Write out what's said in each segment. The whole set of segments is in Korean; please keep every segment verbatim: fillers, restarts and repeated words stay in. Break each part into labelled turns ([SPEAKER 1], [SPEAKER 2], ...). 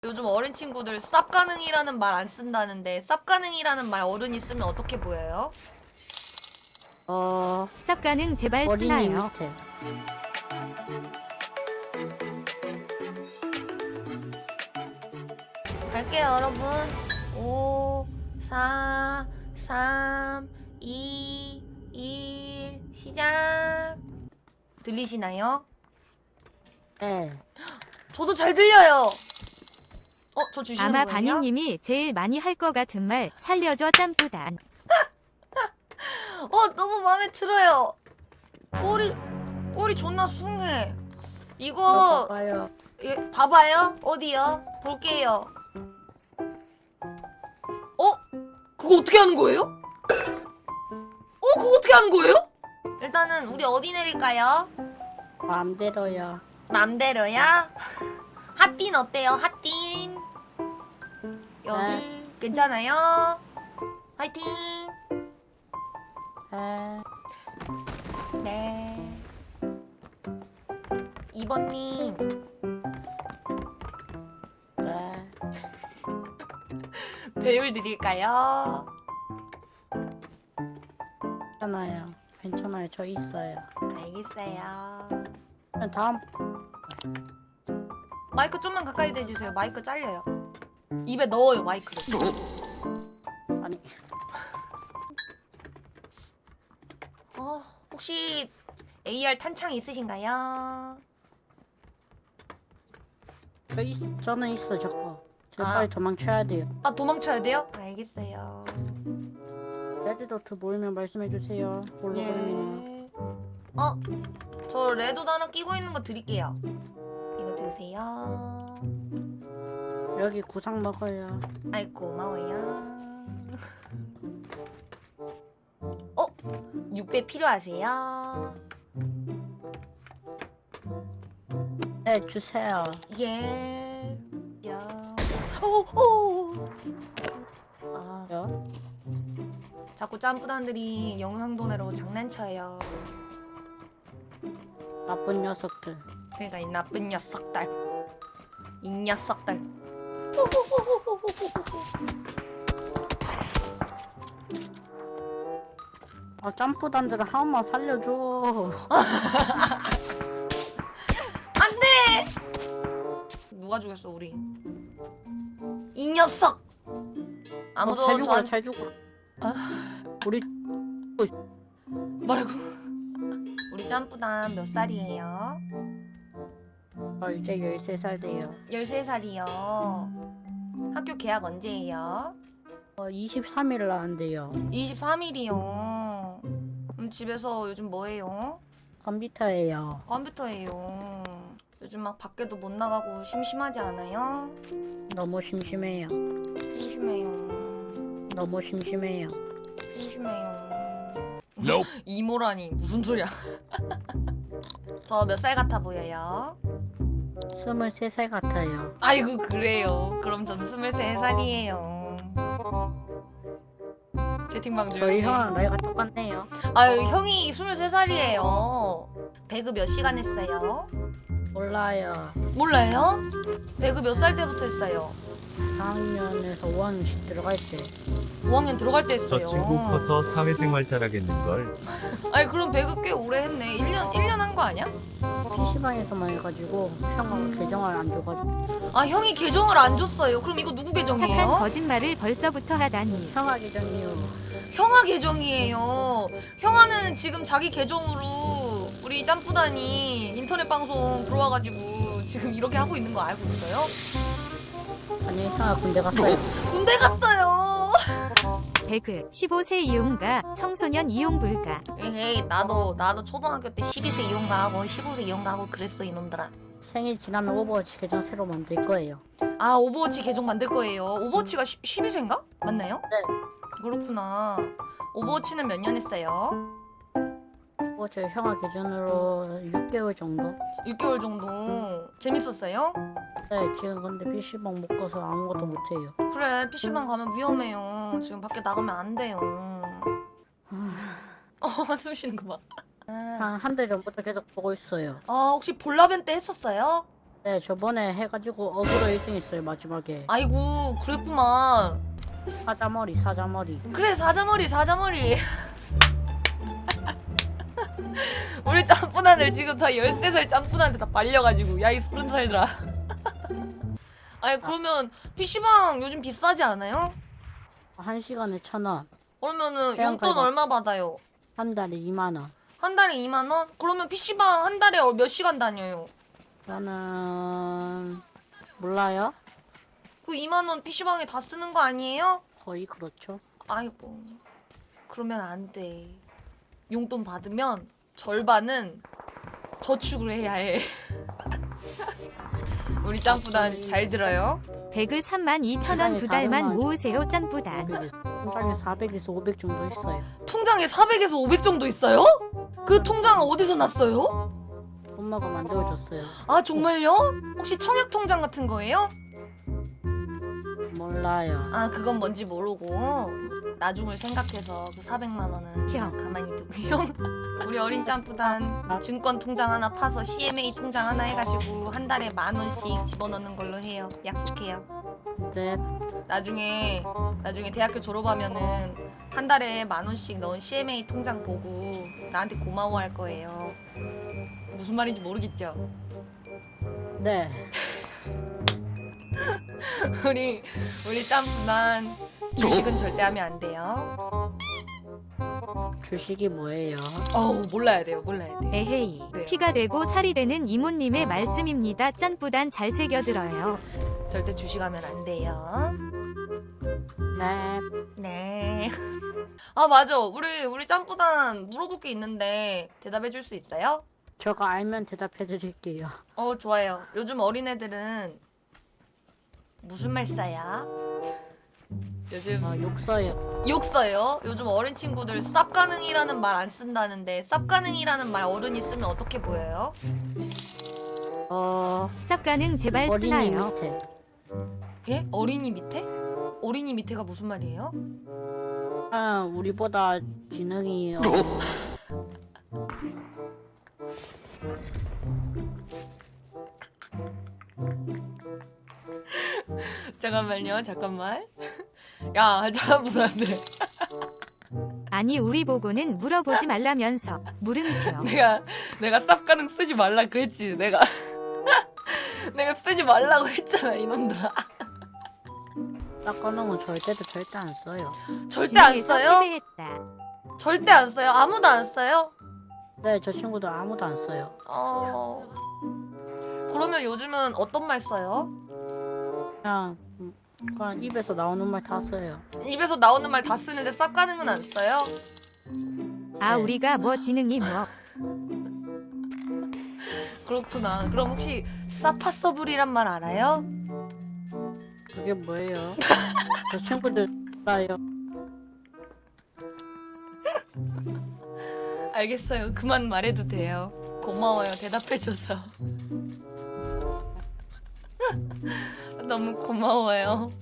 [SPEAKER 1] 요즘 어린 친구들 쌉가능이라는 말 안 쓴다는데 쌉가능이라는 말 어른이 쓰면 어떻게 보여요?
[SPEAKER 2] 어,
[SPEAKER 3] 쌉가능 제발
[SPEAKER 2] 어린이
[SPEAKER 3] 쓰나요?
[SPEAKER 2] 밑에.
[SPEAKER 1] 갈게요 여러분. 오, 사, 삼, 이, 일 시작. 들리시나요?
[SPEAKER 2] 네.
[SPEAKER 1] 저도 잘 들려요. 어, 저 주시는
[SPEAKER 3] 아마
[SPEAKER 1] 거예요?
[SPEAKER 3] 바니님이 제일 많이 할 것 같은 말 살려줘 짬뿌단.
[SPEAKER 1] 어, 너무 마음에 들어요. 꼬리 꼬리 존나 숭해. 이거
[SPEAKER 2] 봐봐요.
[SPEAKER 1] 예, 봐봐요. 어디요? 볼게요. 어? 그거 어떻게 하는 거예요? 어? 그거 어떻게 하는 거예요? 일단은 우리 어디 내릴까요?
[SPEAKER 2] 마음대로요.
[SPEAKER 1] 맘대로야? 핫딘 어때요? 핫딘? 여기
[SPEAKER 2] 네.
[SPEAKER 1] 괜찮아요? 화이팅!
[SPEAKER 2] 네.
[SPEAKER 1] 네. 이 번님
[SPEAKER 2] 네.
[SPEAKER 1] 배율 드릴까요?
[SPEAKER 2] 괜찮아요. 괜찮아요. 저 있어요.
[SPEAKER 1] 알겠어요.
[SPEAKER 2] 다음,
[SPEAKER 1] 마이크 좀만 가까이 대주세요. 마이크 잘려요. 입에 넣어요 마이크를.
[SPEAKER 2] 아니,
[SPEAKER 1] 어, 혹시 에이알 탄창 있으신가요?
[SPEAKER 2] 저 있, 저는 있어, 저거. 저
[SPEAKER 1] 아.
[SPEAKER 2] 빨리 도망쳐야 돼요.
[SPEAKER 1] 아 도망쳐야 돼요? 알겠어요.
[SPEAKER 2] 레드도트 모이면 말씀해주세요. 홀로그램이나.
[SPEAKER 1] 예. 어, 저 레도도 하나 끼고 있는 거 드릴게요. 이거 드세요.
[SPEAKER 2] 여기 구상 먹어요.
[SPEAKER 1] 아이 고마워요. 어, 육 배 필요하세요?
[SPEAKER 2] 네, 주세요.
[SPEAKER 1] 예. 야. 오, 오. 아,
[SPEAKER 2] 요?
[SPEAKER 1] 자꾸 짬뿌단들이 영상도 내라고 장난쳐요.
[SPEAKER 2] 나쁜 녀석들.
[SPEAKER 1] 그러니까 이 나쁜 녀석들. 이 녀석들.
[SPEAKER 2] 아, 점프단들은 한 번만 살려줘.
[SPEAKER 1] 안돼. 누가 죽였어 우리? 이 녀석. 아무도
[SPEAKER 2] 어, 잘 죽어라,
[SPEAKER 1] 저한-
[SPEAKER 2] 잘 죽어라.
[SPEAKER 1] 아.
[SPEAKER 2] 우리
[SPEAKER 1] 뭐라고? 우리 짬뿌단 몇 살이에요?
[SPEAKER 2] 어, 이제 열세 살 돼요.
[SPEAKER 1] 열세 살이요. 학교 개학 언제예요?
[SPEAKER 2] 어, 이십삼 일 나는데요.
[SPEAKER 1] 이십삼 일이요. 그럼 집에서 요즘 뭐해요?
[SPEAKER 2] 컴퓨터예요.
[SPEAKER 1] 컴퓨터예요. 요즘 막 밖에도 못 나가고 심심하지 않아요?
[SPEAKER 2] 너무 심심해요.
[SPEAKER 1] 심심해요.
[SPEAKER 2] 너무 심심해요.
[SPEAKER 1] 심심해요. 이모라니 무슨 소리야? 저 몇 살 같아 보여요?
[SPEAKER 2] 스물세 살 같아요.
[SPEAKER 1] 아이고 그래요. 그럼 전 스물세 살이에요. 채팅방
[SPEAKER 2] 저희
[SPEAKER 1] 조용히.
[SPEAKER 2] 형랑 나이가 똑같네요.
[SPEAKER 1] 아유 형이 스물세 살이에요. 배그 몇 시간 했어요?
[SPEAKER 2] 몰라요.
[SPEAKER 1] 몰라요? 배그 몇 살 때부터 했어요?
[SPEAKER 2] 사 학년에서 오 학년씩 들어갈 때.
[SPEAKER 1] 오 학년 들어갈 때 했어요.
[SPEAKER 4] 저 친구 커서 사회생활 잘하겠는걸.
[SPEAKER 1] 아니 그럼 배그 꽤 오래 했네. 일 년 일 년 한 거 아니야?
[SPEAKER 2] 피시방에서만 해가지고 형하고 계정을 안 줘가지고.
[SPEAKER 1] 아 형이 계정을 안 줬어요. 그럼 이거 누구
[SPEAKER 3] 착한
[SPEAKER 1] 계정이에요?
[SPEAKER 3] 거짓말을 벌써부터 하다니.
[SPEAKER 2] 형아 계정이요.
[SPEAKER 1] 형아 계정이에요. 형아는 지금 자기 계정으로 우리 짬뿌단이 인터넷 방송 들어와가지고 지금 이렇게 하고 있는 거 알고 있어요?
[SPEAKER 2] 아니 형아 군대 갔어요.
[SPEAKER 1] 군대 갔어요.
[SPEAKER 3] 배그 십오 세 이용가 청소년 이용 불가.
[SPEAKER 1] 에헤이 나도 나도 초등학교 때 십이 세 이용가하고 십오 세 이용가하고 그랬어 이놈들아.
[SPEAKER 2] 생일 지나면 오버워치 계정 새로 만들 거예요.
[SPEAKER 1] 아 오버워치 계정 만들 거예요. 오버워치가 십이 세인가? 맞나요?
[SPEAKER 2] 네.
[SPEAKER 1] 그렇구나. 오버워치는 몇 년 했어요?
[SPEAKER 2] 오버워치 형아 계정으로 육 개월 정도.
[SPEAKER 1] 육 개월 정도. 재밌었어요?
[SPEAKER 2] 네 지금 근데 피시방 못 가서 아무것도 못해요.
[SPEAKER 1] 그래 피시방 가면 위험해요. 지금 밖에 나가면 안 돼요. 어 한숨 쉬는 거 봐. 아,
[SPEAKER 2] 한 한 달 전부터 계속 보고 있어요.
[SPEAKER 1] 아 혹시 볼라벤 때 했었어요?
[SPEAKER 2] 네, 저번에 해가지고 어그로 일 등 했어요, 마지막에.
[SPEAKER 1] 아이고 그랬구만.
[SPEAKER 2] 사자머리, 사자머리.
[SPEAKER 1] 그래 사자머리 사자머리. 우리 짬뿌단들 지금 다 열세 살 짬뿌단한테 다 말려가지고 야이 서른 살들아. 아니 그러면 피시방 요즘 비싸지 않아요?
[SPEAKER 2] 한 시간에 천 원.
[SPEAKER 1] 그러면은
[SPEAKER 2] 그냥
[SPEAKER 1] 용돈
[SPEAKER 2] 가자.
[SPEAKER 1] 얼마 받아요?
[SPEAKER 2] 한 달에 이만 원.
[SPEAKER 1] 한 달에 이만 원? 그러면 피시방 한 달에 몇 시간 다녀요?
[SPEAKER 2] 저는 몰라요.
[SPEAKER 1] 그 이만 원 피시방에 다 쓰는 거 아니에요?
[SPEAKER 2] 거의 그렇죠.
[SPEAKER 1] 아이고 그러면 안 돼. 용돈 받으면 절반은 저축을 해야 해. 우리 짬뿌단 잘 들어요.
[SPEAKER 3] 배그 삼만 이천 원 두 달만 모으세요 짬뿌단.
[SPEAKER 2] 통장에 사백에서 오백 정도 있어요.
[SPEAKER 1] 통장에 사백에서 오백 정도 있어요? 그 통장은 어디서 났어요?
[SPEAKER 2] 엄마가 만들어줬어요.
[SPEAKER 1] 아 정말요? 혹시 청약 통장 같은 거예요?
[SPEAKER 2] 몰라요.
[SPEAKER 1] 아 그건 뭔지 모르고 나중을 생각해서 그 사백만 원은 그냥 가만히 두고요. 우리 어린 짬뿌단 증권 통장 하나 파서 씨엠에이 통장 하나 해가지고 한 달에 만 원씩 집어넣는 걸로 해요. 약속해요.
[SPEAKER 2] 네.
[SPEAKER 1] 나중에 나중에 대학교 졸업하면은 한 달에 만 원씩 넣은 씨엠에이 통장 보고 나한테 고마워할 거예요. 무슨 말인지 모르겠죠?
[SPEAKER 2] 네.
[SPEAKER 1] 우리 우리 짬뿌단 주식은 절대 하면 안 돼요.
[SPEAKER 2] 주식이 뭐예요?
[SPEAKER 1] 어우 몰라야 돼요. 몰라야 돼.
[SPEAKER 3] 에헤이.
[SPEAKER 1] 네.
[SPEAKER 3] 피가 되고 살이 되는 이모님의 말씀입니다. 짬뿌단 잘 새겨들어요.
[SPEAKER 1] 절대 주식하면 안 돼요.
[SPEAKER 2] 네.
[SPEAKER 1] 네. 아 맞아. 우리 우리 짬뿌단 물어볼 게 있는데 대답해 줄 수 있어요?
[SPEAKER 2] 저가 알면 대답해 드릴게요.
[SPEAKER 1] 어 좋아요. 요즘 어린애들은 무슨 말 써요? 요즘
[SPEAKER 2] 어, 욕 써요.
[SPEAKER 1] 욕 써요? 요즘 어린 친구들 쌉가능이라는 말 안 쓴다는데 쌉가능이라는 말 어른이 쓰면 어떻게 보여요?
[SPEAKER 2] 어,
[SPEAKER 3] 쌉가능 제발
[SPEAKER 2] 어린이
[SPEAKER 3] 쓰나요?
[SPEAKER 2] 밑에.
[SPEAKER 1] 예? 어린이 밑에? 어린이 밑에가 무슨 말이에요?
[SPEAKER 2] 아, 우리보다 지능이 어,
[SPEAKER 1] 잠깐만요. 잠깐만. 야 잠깐만.
[SPEAKER 3] 아니 우리 보고는 물어보지 말라면서 물음표.
[SPEAKER 1] 내가 내가 쌉가능 쓰지 말라 그랬지. 내가 내가 쓰지 말라고 했잖아 이놈들아.
[SPEAKER 2] 닦아놓은 건 절대도 절대 안 써요.
[SPEAKER 1] 절대 안
[SPEAKER 3] 지리에서
[SPEAKER 1] 써요?
[SPEAKER 3] 패배했다.
[SPEAKER 1] 절대 안 써요? 아무도 안 써요?
[SPEAKER 2] 네, 저 친구들 아무도 안 써요.
[SPEAKER 1] 어... 그러면 요즘은 어떤 말 써요?
[SPEAKER 2] 그냥, 음, 그냥 입에서 나오는 말 다 써요.
[SPEAKER 1] 입에서 나오는 말 다 쓰는데 쌉가능은 안 써요?
[SPEAKER 3] 아
[SPEAKER 2] 네.
[SPEAKER 3] 우리가 뭐 지능이 뭐.
[SPEAKER 1] 그렇구나. 그럼 혹시 사파서블이란 말 알아요?
[SPEAKER 2] 그게 뭐예요? 저 친구들 몰라요.
[SPEAKER 1] 알겠어요. 그만 말해도 돼요. 고마워요. 대답해줘서. 너무 고마워요.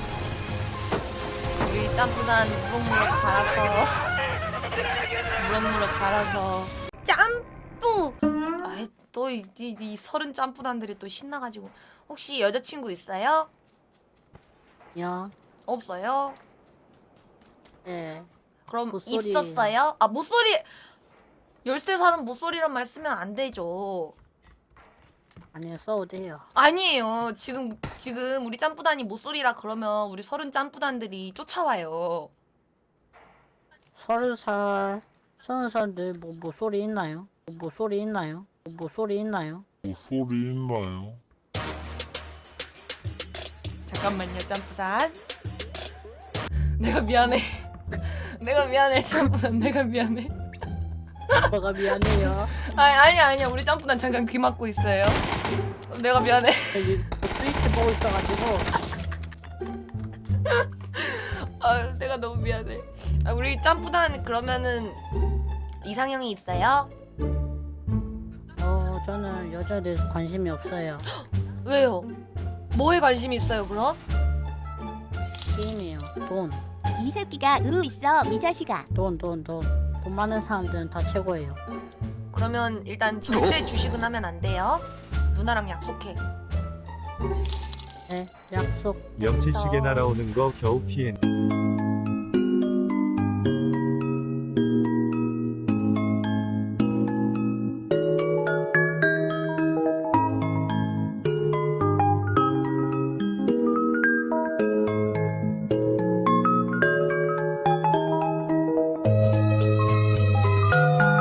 [SPEAKER 1] 우리 짬뿌단 무럭무럭 갈아서 무럭무럭 갈아서 짬뿌! 아이 또이 이, 이 서른 짬뿌단들이 또 신나가지고 혹시 여자친구 있어요?
[SPEAKER 2] 야,
[SPEAKER 1] 없어요?
[SPEAKER 2] 네.
[SPEAKER 1] 그럼
[SPEAKER 2] 모쏠이에요.
[SPEAKER 1] 있었어요? 아 모쏠이 열세 살은 모쏠이란 말 쓰면 안 되죠.
[SPEAKER 2] 아니요, 써도 돼요.
[SPEAKER 1] 아니에요. 지금 지금 우리 짬뿌단이 모쏠이라 그러면 우리 서른 짬뿌단들이 쫓아와요.
[SPEAKER 2] 서른 살, 서른 살들 뭐, 뭐 소리 있나요? 뭐 소리 있나요? 뭐 소리 있나요?
[SPEAKER 5] 소리 있나요?
[SPEAKER 1] 잠깐만요, 짬뿌단. 내가 미안해. 내가 미안해, 짬뿌단. 내가 미안해.
[SPEAKER 2] 오빠가 미안해요.
[SPEAKER 1] 아니 아니야 아니야. 우리 짬뿌단 잠깐 귀 막고 있어요. 내가 미안해.
[SPEAKER 2] 여기 트위터 보고 있어가지고.
[SPEAKER 1] 아 내가 너무 미안해. 아, 우리 짬뿌단 그러면은 이상형이 있어요?
[SPEAKER 2] 어, 저는 여자에 대해서 관심이 없어요.
[SPEAKER 1] 왜요? 뭐에 관심이 있어요 그럼?
[SPEAKER 2] 게임이에요. 돈,
[SPEAKER 6] 이 새끼가 으 있어 이 자식아.
[SPEAKER 2] 돈, 돈, 돈. 돈 많은 사람들은 다 최고예요.
[SPEAKER 1] 그러면 일단 절대 주식은 하면 안 돼요. 누나랑 약속해.
[SPEAKER 2] 네, 약속.
[SPEAKER 4] 명치시계
[SPEAKER 1] 알겠어.
[SPEAKER 4] 날아오는 거 겨우 피했.